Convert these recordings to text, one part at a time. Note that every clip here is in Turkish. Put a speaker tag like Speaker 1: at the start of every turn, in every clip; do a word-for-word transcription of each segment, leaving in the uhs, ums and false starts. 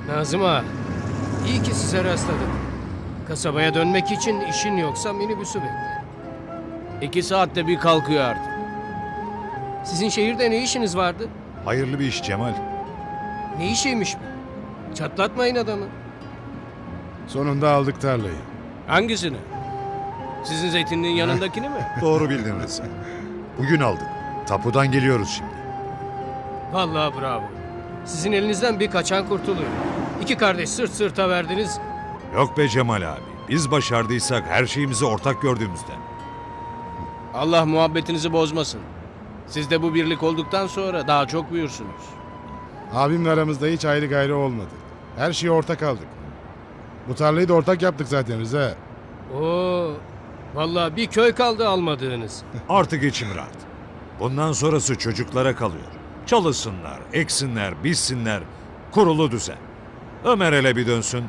Speaker 1: Nazım ağa, iyi ki size rastladım. Kasabaya dönmek için işin yoksa minibüsü bekle.
Speaker 2: İki saatte bir kalkıyor artık.
Speaker 1: Sizin şehirde ne işiniz vardı?
Speaker 3: Hayırlı bir iş Cemal.
Speaker 1: Ne işiymiş bu? Çatlatmayın adamı.
Speaker 4: Sonunda aldık tarlayı.
Speaker 2: Hangisini? Sizin zeytinliğin yanındakini mi?
Speaker 3: Doğru bildin Rıza. Bugün aldık. Tapudan geliyoruz şimdi.
Speaker 1: Vallahi bravo. Sizin elinizden bir kaçan kurtuluyor. İki kardeş sırt sırta verdiniz.
Speaker 3: Yok be Cemal abi. Biz başardıysak her şeyimizi ortak gördüğümüzden.
Speaker 2: Allah muhabbetinizi bozmasın. Siz de bu birlik olduktan sonra daha çok büyürsünüz.
Speaker 4: Abimle aramızda hiç ayrı gayrı olmadı. Her şeyi ortak aldık. Bu tarlayı da ortak yaptık zaten Rıza.
Speaker 1: Oo, vallahi bir köy kaldı almadığınız.
Speaker 3: Artık içim rahat. Bundan sonrası çocuklara kalıyor. Çalışsınlar, eksinler, bizsinler. Kurulu düzen. Ömer hele bir dönsün.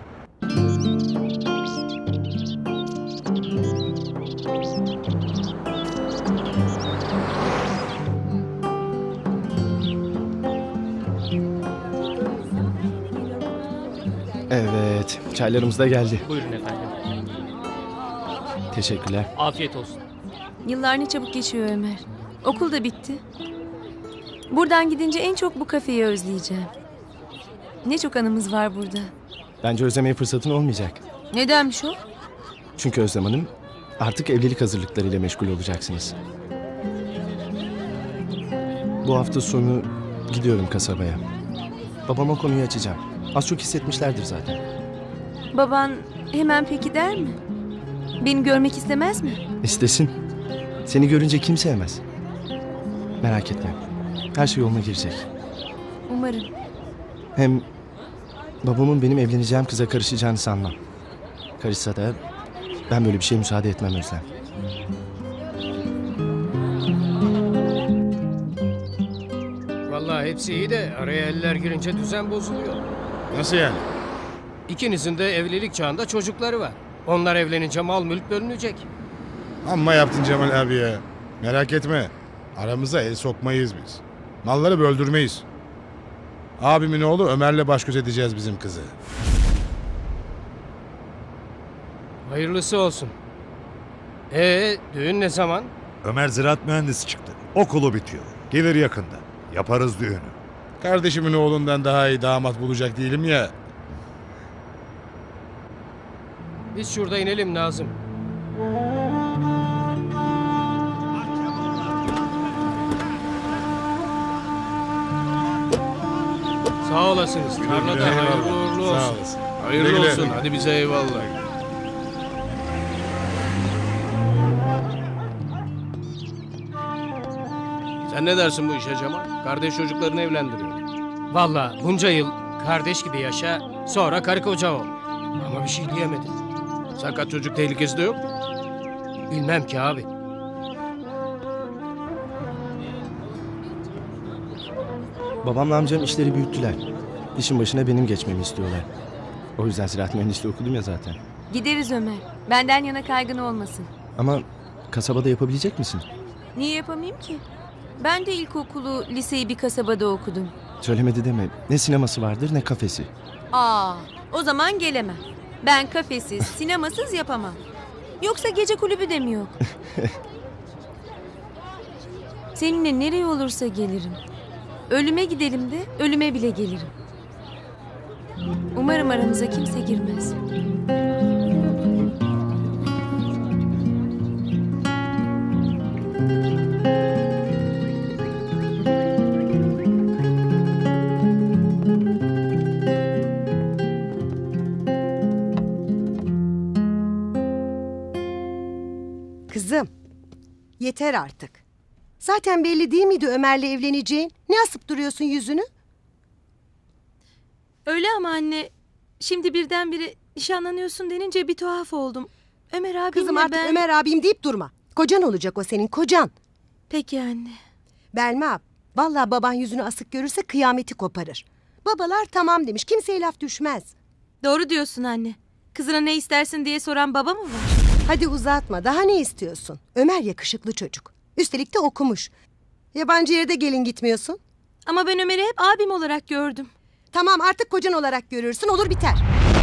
Speaker 5: Evet, çaylarımız da geldi.
Speaker 1: Buyurun efendim.
Speaker 5: Teşekkürler.
Speaker 1: Afiyet olsun.
Speaker 6: Yıllar ne çabuk geçiyor Ömer. Okul da bitti. Buradan gidince en çok bu kafeyi özleyeceğim. Ne çok anımız var burada.
Speaker 5: Bence özlemeye fırsatın olmayacak.
Speaker 6: Nedenmiş o?
Speaker 5: Çünkü Özlem Hanım artık evlilik hazırlıklarıyla meşgul olacaksınız. Bu hafta sonu gidiyorum kasabaya. Babama konuyu açacağım. Az çok hissetmişlerdir zaten.
Speaker 6: Baban hemen peki der mi? Beni görmek istemez mi?
Speaker 5: İstesin. Seni görünce kim sevmez. Merak etme. Her şey yoluna girecek.
Speaker 6: Umarım.
Speaker 5: Hem babamın benim evleneceğim kıza karışacağını sanmam. Karışsa da ben böyle bir şeye müsaade etmem Özlem.
Speaker 1: Vallahi hepsi iyi de araya eller girince düzen bozuluyor.
Speaker 4: Nasıl yani?
Speaker 1: İkinizin de evlilik çağında çocukları var. Onlar evlenince mal mülk bölünecek.
Speaker 4: Amma yaptın Cemal abi ya. Merak etme. Aramıza el sokmayız biz. Malları böldürmeyiz. Abimin oğlu Ömer'le baş göz edeceğiz bizim kızı.
Speaker 1: Hayırlısı olsun. Ee, düğün ne zaman?
Speaker 3: Ömer ziraat mühendisi çıktı. Okulu bitiyor. Gelir yakında. Yaparız düğünü.
Speaker 4: Kardeşimin oğlundan daha iyi damat bulacak değilim ya.
Speaker 1: Biz şurada inelim Nazım. Sağ olasınız. Tarlada
Speaker 4: güle,
Speaker 1: hayırlı
Speaker 4: eyvallah.
Speaker 1: uğurlu
Speaker 4: Sağ
Speaker 1: olsun.
Speaker 4: olasın.
Speaker 2: Hayırlı
Speaker 4: Güle güle.
Speaker 2: olsun. Hadi bize eyvallah. Sen ne dersin bu işe Cemal? Kardeş çocuklarını evlendiriyor.
Speaker 1: Vallahi bunca yıl kardeş gibi yaşa, sonra karı koca ol. Ama bir şey diyemedim.
Speaker 2: Sakat çocuk tehlikesi de yok.
Speaker 1: Bilmem ki abi.
Speaker 5: Babamla amcam işleri büyüttüler. İşin başına benim geçmemi istiyorlar. O yüzden ziraat mühendisliği okudum ya zaten.
Speaker 6: Gideriz Ömer. Benden yana kaygın olmasın.
Speaker 5: Ama kasabada yapabilecek misin?
Speaker 6: Niye yapamayayım ki? Ben de ilkokulu, liseyi bir kasabada okudum.
Speaker 5: Söylemedi deme. Ne sineması vardır ne kafesi.
Speaker 6: Aa, o zaman gelemem. Ben kafesiz, sinemasız yapamam. Yoksa gece kulübü de mi yok? Seninle nereye olursa gelirim. Ölüme gidelim de ölüme bile gelirim. Umarım aramıza kimse girmez.
Speaker 7: Kızım, yeter artık. Zaten belli değil miydi Ömer'le evleneceğin? Ne asıp duruyorsun yüzünü?
Speaker 6: Öyle ama anne. Şimdi birdenbire nişanlanıyorsun denince bir tuhaf oldum. Ömer abimle
Speaker 7: Kızım artık
Speaker 6: ben...
Speaker 7: Ömer abim deyip durma. Kocan olacak o senin, kocan.
Speaker 6: Peki anne.
Speaker 7: Belma ab, vallahi baban yüzünü asık görürse kıyameti koparır. Babalar tamam demiş, kimseye laf düşmez.
Speaker 6: Doğru diyorsun anne. Kızına ne istersin diye soran baba mı var?
Speaker 7: Hadi uzatma, daha ne istiyorsun? Ömer yakışıklı çocuk. Üstelik de okumuş. Yabancı yere de gelin gitmiyorsun.
Speaker 6: Ama ben Ömer'i hep abim olarak gördüm.
Speaker 7: Tamam artık kocan olarak görürsün, olur biter.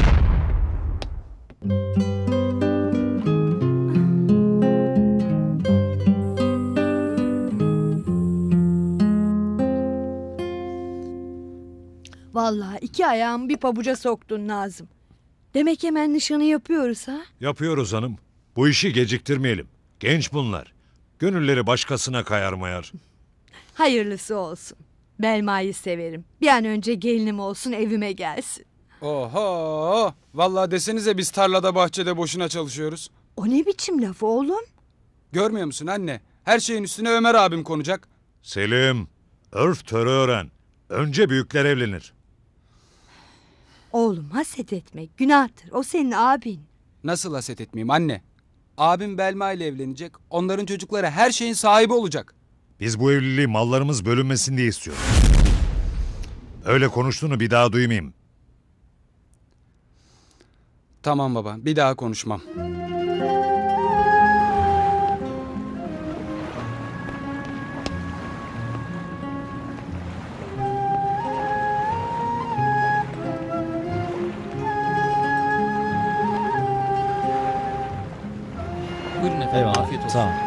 Speaker 8: Vallahi iki ayağımı bir pabuca soktun Nazım. Demek hemen nişanı yapıyoruz ha?
Speaker 3: Yapıyoruz hanım. Bu işi geciktirmeyelim. Genç bunlar. Gönülleri başkasına kayar mayar.
Speaker 8: Hayırlısı olsun. Belma'yı severim. Bir an önce gelinim olsun, evime gelsin.
Speaker 9: Oho! Vallahi desenize biz tarlada bahçede boşuna çalışıyoruz.
Speaker 8: O ne biçim laf oğlum?
Speaker 9: Görmüyor musun anne? Her şeyin üstüne Ömer abim konacak.
Speaker 3: Selim, örf törü öğren. Önce büyükler evlenir.
Speaker 8: Oğlum haset etmek günahtır. O senin abin.
Speaker 9: Nasıl haset etmeyeyim anne? Abim Belma ile evlenecek. Onların çocukları her şeyin sahibi olacak.
Speaker 3: Biz bu evliliği mallarımız bölünmesin diye istiyoruz. Öyle konuştuğunu bir daha duymayayım.
Speaker 9: Tamam baba, bir daha konuşmam.
Speaker 1: Buyurun efendim.
Speaker 5: Eyvallah.
Speaker 1: Afiyet olsun.
Speaker 5: Sağ ol.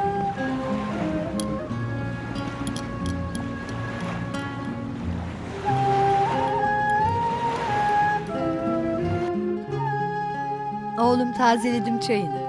Speaker 8: Oğlum tazeledim çayını.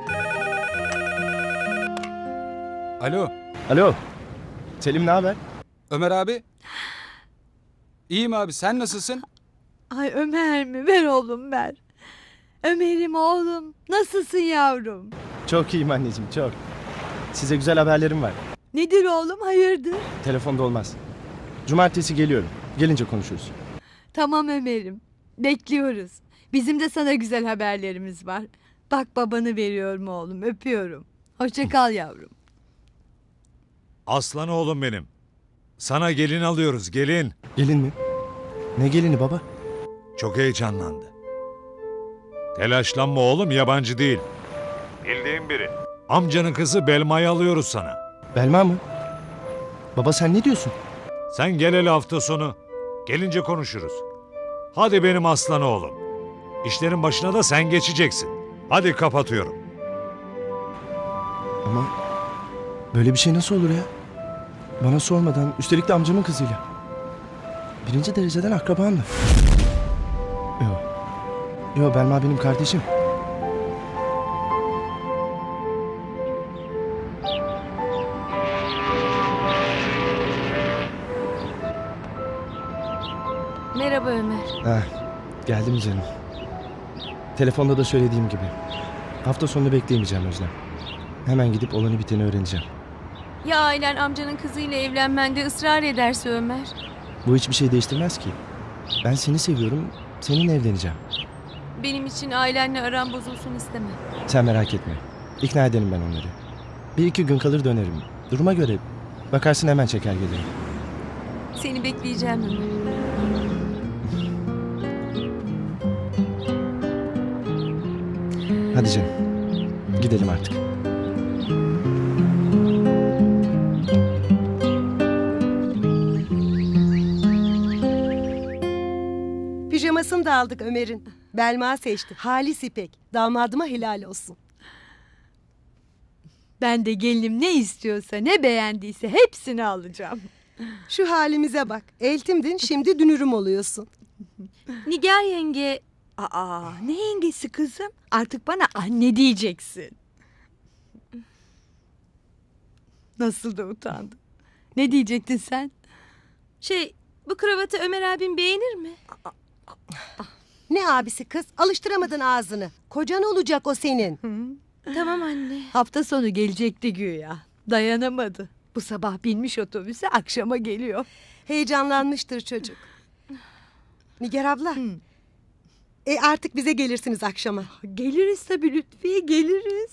Speaker 9: Alo,
Speaker 5: Alo. Selim ne haber?
Speaker 9: Ömer abi. İyiyim abi, sen nasılsın?
Speaker 8: Ay Ömer mi? Ver oğlum ver. Ömer'im oğlum. Nasılsın yavrum?
Speaker 5: Çok iyiyim anneciğim çok. Size güzel haberlerim var.
Speaker 8: Nedir oğlum, hayırdır?
Speaker 5: Telefonda olmaz. Cumartesi geliyorum. Gelince konuşuruz.
Speaker 8: Tamam Ömer'im. Bekliyoruz. Bizim de sana güzel haberlerimiz var. Bak babanı veriyorum oğlum. Öpüyorum. Hoşça kal yavrum.
Speaker 3: Aslan oğlum benim. Sana gelin alıyoruz, gelin.
Speaker 5: Gelin mi? Ne gelini baba?
Speaker 3: Çok heyecanlandı. Telaşlanma oğlum, yabancı değil. Bildiğin biri. Amcanın kızı Belma'yı alıyoruz sana.
Speaker 5: Belma mı? Baba sen ne diyorsun?
Speaker 3: Sen gel hele hafta sonu. Gelince konuşuruz. Hadi benim aslan oğlum. İşlerin başına da sen geçeceksin. Hadi kapatıyorum.
Speaker 5: Ama böyle bir şey nasıl olur ya? Bana sormadan, üstelik de amcamın kızıyla. Birinci dereceden akrabamla. Yok. Yok Belma benim kardeşim.
Speaker 6: Merhaba Ömer.
Speaker 5: Heh, geldim canım. Telefonda da söylediğim gibi. Hafta sonunu bekleyemeyeceğim Özlem. Hemen gidip olanı biteni öğreneceğim.
Speaker 6: Ya ailen amcanın kızıyla evlenmende ısrar ederse Ömer?
Speaker 5: Bu hiçbir şey değiştirmez ki. Ben seni seviyorum, seninle evleneceğim.
Speaker 6: Benim için ailenle aram bozulsun istemem.
Speaker 5: Sen merak etme. İkna ederim ben onları. Bir iki gün kalır dönerim. Duruma göre bakarsın hemen çeker gelirim.
Speaker 6: Seni bekleyeceğim Ömer.
Speaker 5: Hadi canım. Gidelim artık.
Speaker 7: Pijamasını da aldık Ömer'in. Belma seçti. Halis İpek. Damadıma helal olsun.
Speaker 8: Ben de gelinim ne istiyorsa, ne beğendiyse hepsini alacağım.
Speaker 7: Şu halimize bak. Eltimdin, şimdi dünürüm oluyorsun.
Speaker 6: Nigar yenge...
Speaker 8: Aa, ne yengesi kızım? Artık bana anne diyeceksin. Nasıl da utandım. Ne diyecektin sen?
Speaker 6: Şey, bu kravatı Ömer abim beğenir mi?
Speaker 7: Ne abisi kız? Alıştıramadın ağzını. Kocan olacak o senin.
Speaker 6: Tamam anne.
Speaker 8: Hafta sonu gelecekti güya. Dayanamadı. Bu sabah binmiş otobüse, akşama geliyor.
Speaker 7: Heyecanlanmıştır çocuk. Nigar abla. E artık bize gelirsiniz akşama.
Speaker 8: Geliriz tabii Lütfiye, geliriz.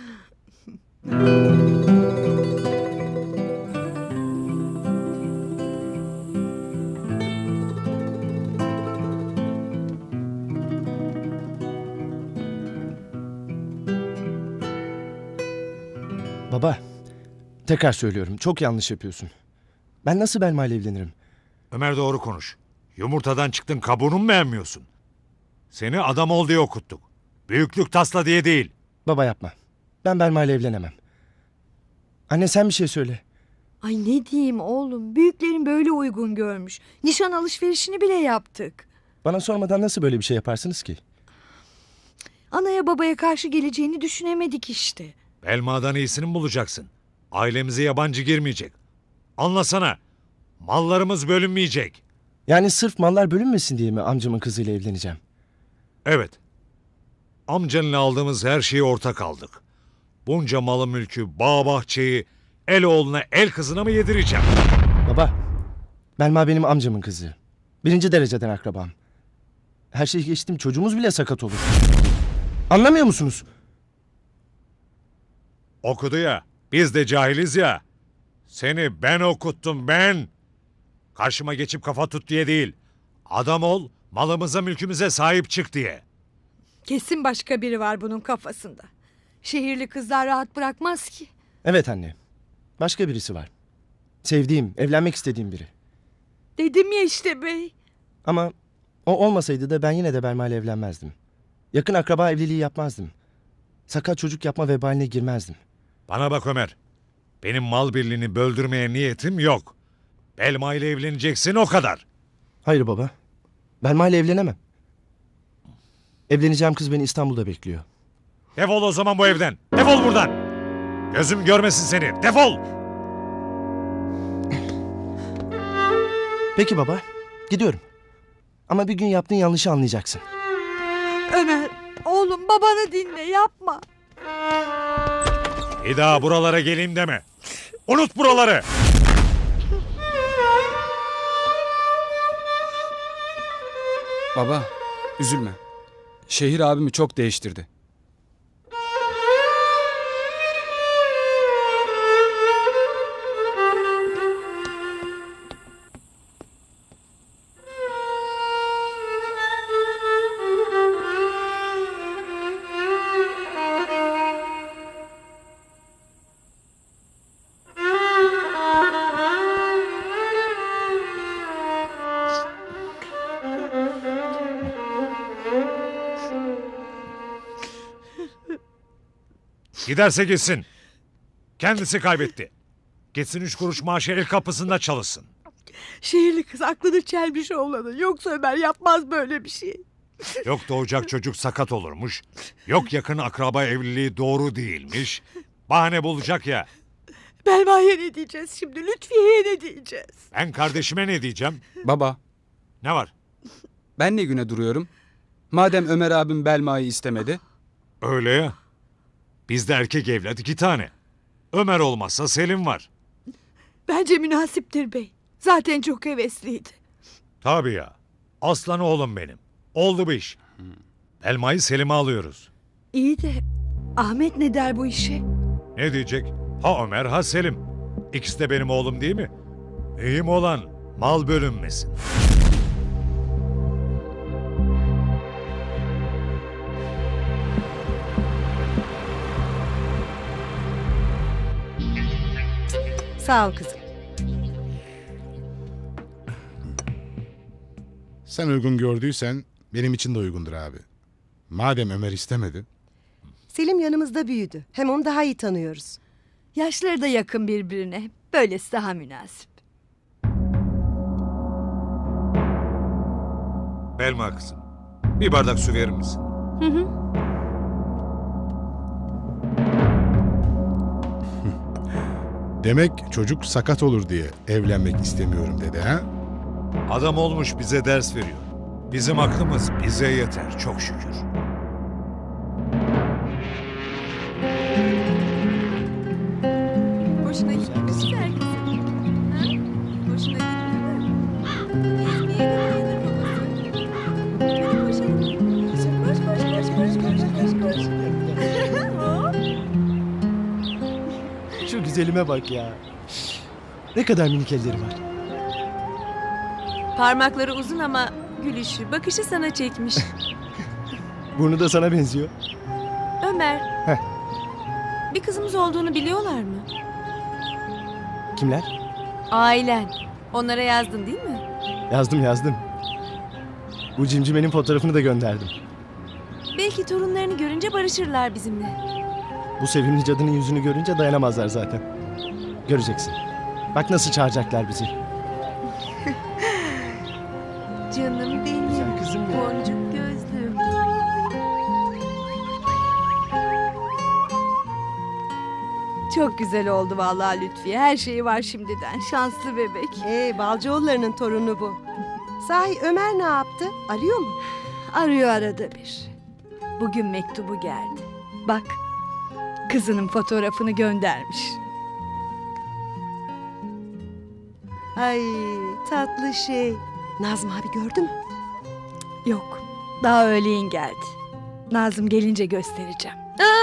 Speaker 5: Baba, tekrar söylüyorum. Çok yanlış yapıyorsun. Ben nasıl Belma ile evlenirim?
Speaker 3: Ömer doğru konuş. Yumurtadan çıktın, kabuğunu mu beğenmiyorsun? Seni adam ol diye okuttuk. Büyüklük tasla diye değil.
Speaker 5: Baba yapma. Ben Belma ile evlenemem. Anne sen bir şey söyle.
Speaker 8: Ay ne diyeyim oğlum, büyüklerin böyle uygun görmüş. Nişan alışverişini bile yaptık.
Speaker 5: Bana sormadan nasıl böyle bir şey yaparsınız ki?
Speaker 8: Anaya babaya karşı geleceğini düşünemedik işte.
Speaker 3: Belma'dan iyisini mi bulacaksın? Ailemize yabancı girmeyecek. Anlasana. Mallarımız bölünmeyecek.
Speaker 5: Yani sırf mallar bölünmesin diye mi amcamın kızıyla evleneceğim?
Speaker 3: Evet. Amcanla aldığımız her şeyi ortak aldık. Bunca malı mülkü, bağ bahçeyi el oğluna el kızına mı yedireceğim?
Speaker 5: Baba, Belma benim amcamın kızı. Birinci dereceden akrabam. Her şeyi geçtim, çocuğumuz bile sakat olur. Anlamıyor musunuz?
Speaker 3: Okudu ya. Biz de cahiliz ya. Seni ben okuttum ben. Karşıma geçip kafa tut diye değil. Adam ol, malımıza mülkümüze sahip çık diye.
Speaker 8: Kesin başka biri var bunun kafasında. Şehirli kızlar rahat bırakmaz ki.
Speaker 5: Evet anne. Başka birisi var. Sevdiğim, evlenmek istediğim biri.
Speaker 8: Dedim ya işte bey.
Speaker 5: Ama o olmasaydı da ben yine de Belma ile evlenmezdim. Yakın akraba evliliği yapmazdım. Sakat çocuk yapma vebaline girmezdim.
Speaker 3: Bana bak Ömer. Benim mal birliğini böldürmeye niyetim yok. Belma ile evleneceksin o kadar.
Speaker 5: Hayır baba. Belma ile evlenemem. Evleneceğim kız beni İstanbul'da bekliyor.
Speaker 3: Defol o zaman bu evden. Defol buradan. Gözüm görmesin seni. Defol.
Speaker 5: Peki baba. Gidiyorum. Ama bir gün yaptığın yanlışı anlayacaksın.
Speaker 8: Ömer, oğlum babanı dinle, yapma.
Speaker 3: Bir daha buralara geleyim deme. Unut buraları.
Speaker 9: Baba, üzülme. Şehir abimi çok değiştirdi.
Speaker 3: Giderse gitsin. Kendisi kaybetti. Gitsin üç kuruş maaşı el kapısında çalışsın.
Speaker 8: Şehirli kız aklını çelmiş oğlanın. Yoksa Ömer yapmaz böyle bir şey.
Speaker 3: Yok doğacak çocuk sakat olurmuş. Yok yakın akraba evliliği doğru değilmiş. Bahane bulacak ya.
Speaker 8: Belma'ya ne diyeceğiz şimdi? Lütfiye'ye ne diyeceğiz?
Speaker 3: Ben kardeşime ne diyeceğim?
Speaker 9: Baba,
Speaker 3: Ne var?
Speaker 9: ben ne güne duruyorum? Madem Ömer abim Belma'yı istemedi.
Speaker 3: Öyle ya. Bizde erkek evlat iki tane. Ömer olmazsa Selim var.
Speaker 8: Bence münasiptir bey. Zaten çok hevesliydi.
Speaker 3: Tabii ya. Aslan oğlum benim. Oldu bu iş. Elmayı Selim'e alıyoruz.
Speaker 8: İyi de Ahmet ne der bu işe?
Speaker 3: Ne diyecek? Ha Ömer ha Selim. İkisi de benim oğlum değil mi? Mühim olan mal bölünmesin.
Speaker 7: Sağ ol kızım.
Speaker 4: Sen uygun gördüysen benim için de uygundur abi. Madem Ömer istemedi.
Speaker 7: Selim yanımızda büyüdü. Hem onu daha iyi tanıyoruz.
Speaker 8: Yaşları da yakın birbirine. Böylesi daha münasip.
Speaker 3: Belma kızım. Bir bardak su verir misin?
Speaker 8: Hı hı.
Speaker 4: Demek çocuk sakat olur diye evlenmek istemiyorum dedi ha?
Speaker 3: Adam olmuş bize ders veriyor. Bizim aklımız bize yeter çok şükür.
Speaker 6: Hoşuna gitti mi güzel kızım? Ha? Hoşuna gitti mi? Gezmeye gidiyordur babası. Hadi koşalım. Koş koş koş koş koş koş koş koş. Hop.
Speaker 5: Şu güzelime bak ya. Ne kadar minik elleri var.
Speaker 6: Parmakları uzun ama gülüşü, bakışı sana çekmiş.
Speaker 5: Burnu da sana benziyor.
Speaker 6: Ömer.
Speaker 5: Heh.
Speaker 6: Bir kızımız olduğunu biliyorlar mı?
Speaker 5: Kimler?
Speaker 6: Ailen. Onlara yazdın değil mi?
Speaker 5: Yazdım yazdım. Bu cimcimenin fotoğrafını da gönderdim.
Speaker 6: Belki torunlarını görünce barışırlar bizimle.
Speaker 5: Bu sevimli cadının yüzünü görünce dayanamazlar zaten. Göreceksin. Bak nasıl çağıracaklar bizi.
Speaker 6: Canım benim.
Speaker 5: Güzel kızım ya.
Speaker 6: Boncuk gözlüm.
Speaker 8: Çok güzel oldu vallahi Lütfiye. Her şeyi var şimdiden. Şanslı bebek.
Speaker 7: Ee, Balcıoğulları'nın torunu bu. Sahi Ömer ne yaptı? Arıyor mu?
Speaker 8: Arıyor arada bir. Bugün mektubu geldi. Bak, kızının fotoğrafını göndermiş.
Speaker 7: Ay tatlı şey. Nazım abi gördü mü?
Speaker 8: Yok, daha öğleyin geldi. Nazım gelince göstereceğim.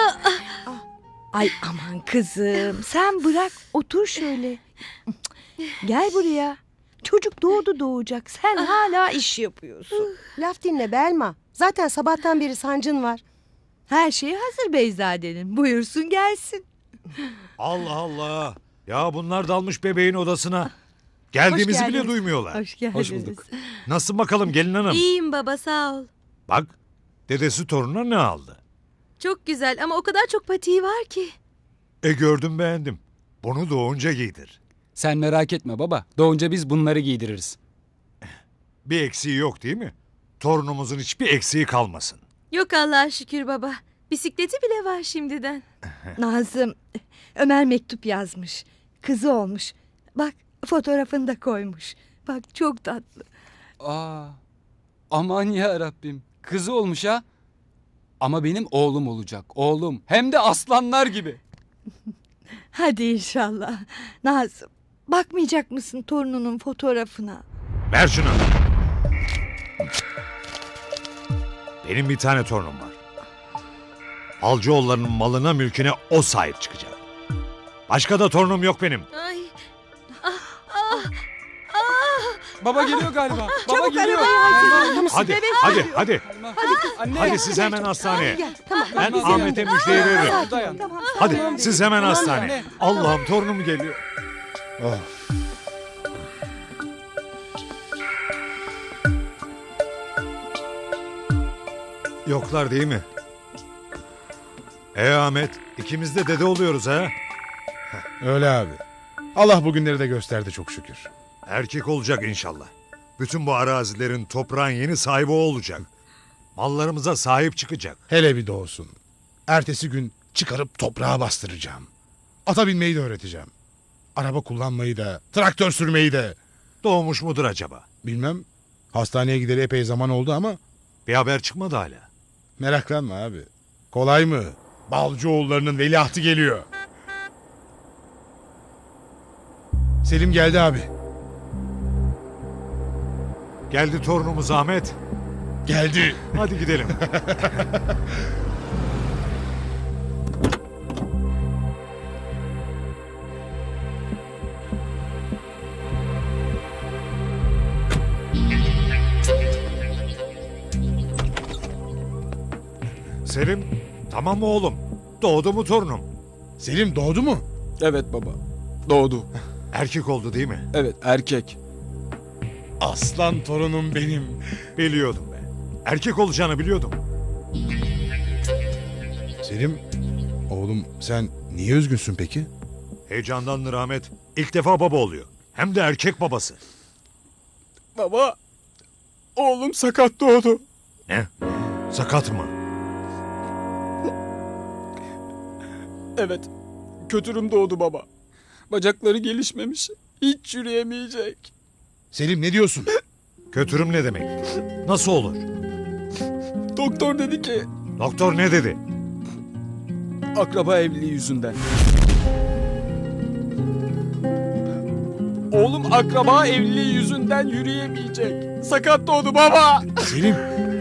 Speaker 8: Ay aman kızım, sen bırak otur şöyle. Gel buraya. Çocuk doğdu doğacak. Sen hala iş yapıyorsun.
Speaker 7: Laf dinle Belma. Zaten sabahtan beri sancın var.
Speaker 8: Her şey hazır Beyzade'nin. Buyursun gelsin.
Speaker 3: Allah Allah. Ya bunlar dalmış bebeğin odasına. Geldiğimizi
Speaker 7: Hoş
Speaker 3: bile
Speaker 7: geldiniz.
Speaker 3: duymuyorlar.
Speaker 8: Hoş geldiniz.
Speaker 9: Hoş bulduk.
Speaker 3: Nasıl bakalım gelin hanım?
Speaker 6: İyiyim baba sağ ol.
Speaker 3: Bak dedesi torununa ne aldı?
Speaker 6: Çok güzel ama o kadar çok patiği var ki.
Speaker 3: E gördüm beğendim. Bunu doğunca giydir.
Speaker 9: Sen merak etme baba. Doğunca biz bunları giydiririz.
Speaker 3: Bir eksiği yok değil mi? Torunumuzun hiçbir eksiği kalmasın.
Speaker 6: Yok Allah'a şükür baba. Bisikleti bile var şimdiden.
Speaker 8: Nazım, Ömer mektup yazmış. Kızı olmuş. Bak fotoğrafını da koymuş. Bak çok tatlı.
Speaker 9: Aa, aman ya Rabbim. Kızı olmuş ha. Ama benim oğlum olacak. Oğlum. Hem de aslanlar gibi.
Speaker 8: Hadi inşallah. Nazım, bakmayacak mısın torununun fotoğrafına?
Speaker 3: Ver şunu. Benim bir tane torunum var. Balcıoğulları'nın malına mülküne o sahip çıkacak. Başka da torunum yok benim.
Speaker 6: Ay.
Speaker 9: Baba geliyor galiba. Baba
Speaker 8: Çabuk
Speaker 9: geliyor.
Speaker 8: arabayı
Speaker 3: Hadi, hadi, hadi.
Speaker 9: Anne.
Speaker 3: Hadi siz hemen hastaneye.
Speaker 7: Gel tamam.
Speaker 3: Ben
Speaker 9: Biz
Speaker 3: Ahmet'e müjdeyi veririm.
Speaker 9: Dayan.
Speaker 3: Hadi siz hemen hastaneye.
Speaker 9: anne.
Speaker 3: Allah'ım torunum geliyor.
Speaker 4: Oh.
Speaker 3: Yoklar değil mi? E Ahmet, ikimiz de dede oluyoruz ha.
Speaker 4: Öyle abi. Allah bugünleri de gösterdi çok şükür.
Speaker 3: Erkek olacak inşallah. Bütün bu arazilerin, toprağın yeni sahibi o olacak. Mallarımıza sahip çıkacak.
Speaker 4: Hele bir doğsun. Ertesi gün çıkarıp toprağa bastıracağım. Ata binmeyi de öğreteceğim. Araba kullanmayı da, traktör sürmeyi de.
Speaker 3: Doğmuş mudur acaba?
Speaker 4: Bilmem. Hastaneye gideri epey zaman oldu ama
Speaker 3: Bir haber çıkmadı hala.
Speaker 4: meraklanma abi. Kolay mı? Balcıoğulları'nın veliahtı geliyor. Selim geldi abi.
Speaker 3: Geldi torunumuz Ahmet.
Speaker 4: Geldi.
Speaker 3: Hadi gidelim. Selim, tamam mı oğlum? Doğdu mu torunum?
Speaker 4: Selim doğdu mu?
Speaker 9: Evet baba. Doğdu.
Speaker 3: Erkek oldu değil mi?
Speaker 9: Evet erkek.
Speaker 4: Aslan torunum benim.
Speaker 3: Biliyordum ben. Erkek olacağını biliyordum.
Speaker 4: Selim, oğlum sen niye üzgünsün peki?
Speaker 3: Heyecandandır Ahmet. İlk defa baba oluyor. Hem de erkek babası.
Speaker 9: Baba. Oğlum sakat doğdu.
Speaker 3: Ne? Sakat mı?
Speaker 9: Evet. Kötürüm doğdu baba. Bacakları gelişmemiş. Hiç yürüyemeyecek.
Speaker 4: Selim ne diyorsun?
Speaker 3: Kötürüm ne demek? Nasıl olur?
Speaker 9: Doktor dedi ki
Speaker 3: Doktor ne dedi?
Speaker 9: akraba evliliği yüzünden. Oğlum akraba evliliği yüzünden yürüyemeyecek. Sakat doğdu baba.
Speaker 4: Selim,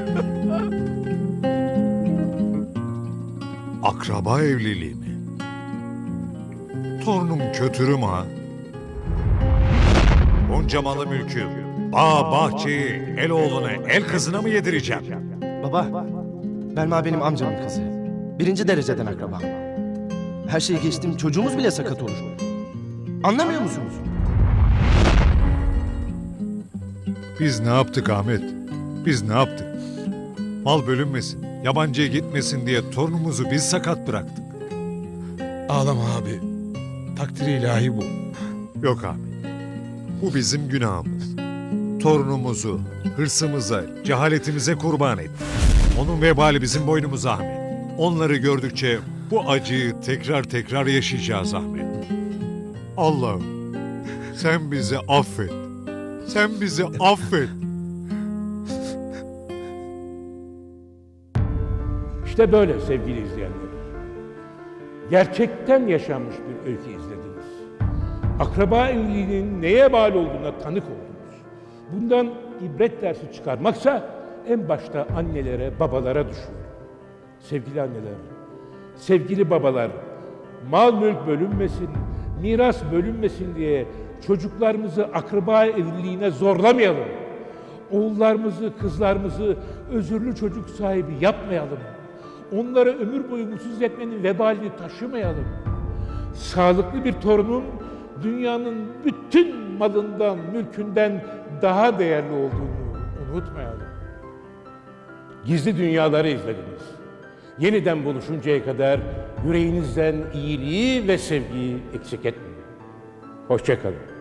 Speaker 3: Akraba evliliği mi? Torunum kötürüm ha. Bunca malı mülkü, bağ bahçeyi, el oğluna, el kızına mı yedireceğim?
Speaker 5: Baba, Belma benim amcamın kızı. Birinci dereceden akrabam. Her şeyi geçtim, çocuğumuz bile sakat olur. Anlamıyor musunuz?
Speaker 3: Biz ne yaptık Ahmet? Biz ne yaptık? Mal bölünmesin, yabancıya gitmesin diye torunumuzu biz sakat bıraktık.
Speaker 4: Ağlama abi. Takdiri ilahi bu.
Speaker 3: Yok Ahmet. Bu bizim günahımız. Torunumuzu, hırsımıza, cehaletimize kurban ettik. Onun vebali bizim boynumuza Ahmet. Onları gördükçe bu acıyı tekrar tekrar yaşayacağız Ahmet. Allah'ım sen bizi affet. Sen bizi affet.
Speaker 10: İşte böyle sevgili izleyenler. Gerçekten yaşanmış bir öykü izlediniz. Akraba evliliğinin neye bağlı olduğuna tanık oldunuz. Bundan ibret dersi çıkarmaksa en başta annelere, babalara düşüyor. Sevgili anneler, sevgili babalar, mal mülk bölünmesin, miras bölünmesin diye çocuklarımızı akraba evliliğine zorlamayalım. Oğullarımızı, kızlarımızı özürlü çocuk sahibi yapmayalım. Onlara ömür boyu mutsuz etmenin vebalini taşımayalım. Sağlıklı bir torunun dünyanın bütün malından, mülkünden daha değerli olduğunu unutmayalım. Gizli dünyaları izlediniz. Yeniden buluşuncaya kadar yüreğinizden iyiliği ve sevgiyi eksik etmeyin. Hoşça kalın.